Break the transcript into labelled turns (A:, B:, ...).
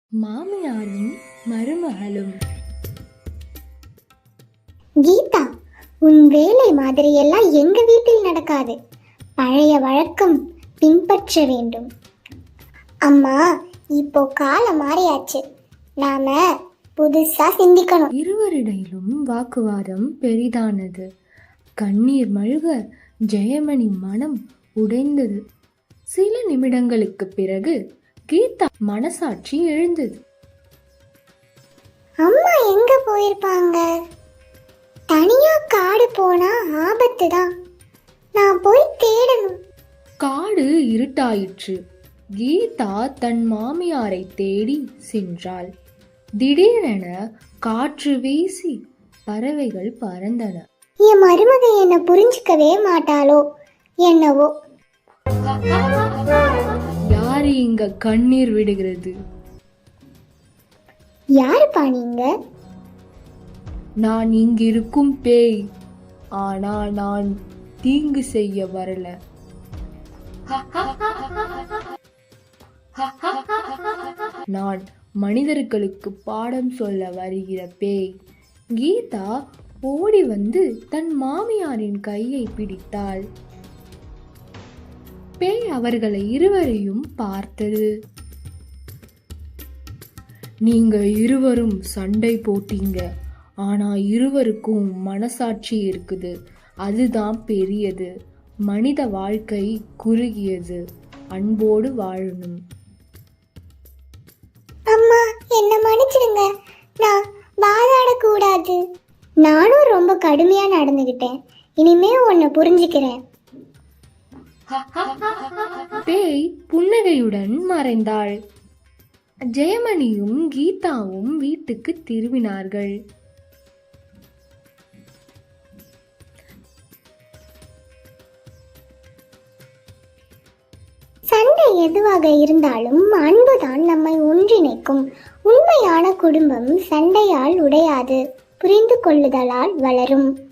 A: மாமியாரும் மருமகளும்.
B: கீதா, உன் வேலை மாதிரி எல்லாம் எங்க வீட்டில் நடக்காது. பழைய வழக்கம் பின்பற்ற வேண்டும். அம்மா, இப்போ காலம் மாறியாச்சு. நாம புதுசா சிந்திக்கணும்.
A: இருவரிடையிலும் வாக்குவாதம் பெரிதானது. கண்ணீர் மல்க ஜெயமணி மனம் உடைந்தது. சில நிமிடங்களுக்கு பிறகு கீதா மனசாட்சி எழுந்தது.
B: அம்மா எங்க போயிருப்பாங்க? தனியா காடு போனா ஆபத்து தான். நான் போய் தேடணும்.
A: காடு இருட்டாயிற்று. கீதா தன் மாமியாரை தேடி சென்றாள். திடீரென காற்று வீசி பறவைகள் பறந்தன.
B: என் மருமக என்ன புரிஞ்சுக்கவே மாட்டாளோ என்னவோ.
A: யாரு இங்க கண்ணீர் விடுகிறது?
B: யாருப்பா நீங்க?
A: நான் இங்கிருக்கும் பேய். ஆனா நான் தீங்கு செய்ய வரல. நான் மனிதர்களுக்கு பாடம் சொல்ல வருகிற பேய். கீதா ஓடி வந்து தன் மாமியாரின் கையை பிடித்தாள். பேய் அவர்களை இருவரையும் பார்த்தது. நீங்க இருவரும் சண்டை போட்டீங்க. ஆனா இருவருக்கும் மனசாட்சி இருக்குது. அதுதான் பெரியது. மனித வாழ்க்கை குறுகியது. அன்போடு வாழணும்.
B: அம்மா, என்ன மன்னிச்சிடுங்க. நான் வாதாடக்கூடாது. நானும் ரொம்ப கடுமையா நடந்துகிட்டேன். இனிமே உன்னை புரிஞ்சுக்கிறேன்.
A: பேய் புன்னகையுடன் மறைந்தாள். ஜெயமணியும் கீதாவும் வீட்டுக்கு திரும்பினார்கள்.
B: சண்டை எதுவாக இருந்தாலும் அன்புதான் நம்மை ஒன்றிணைக்கும். உண்மையான குடும்பம் சண்டையால் உடையாது, புரிந்து கொள்ளுதலால் வளரும்.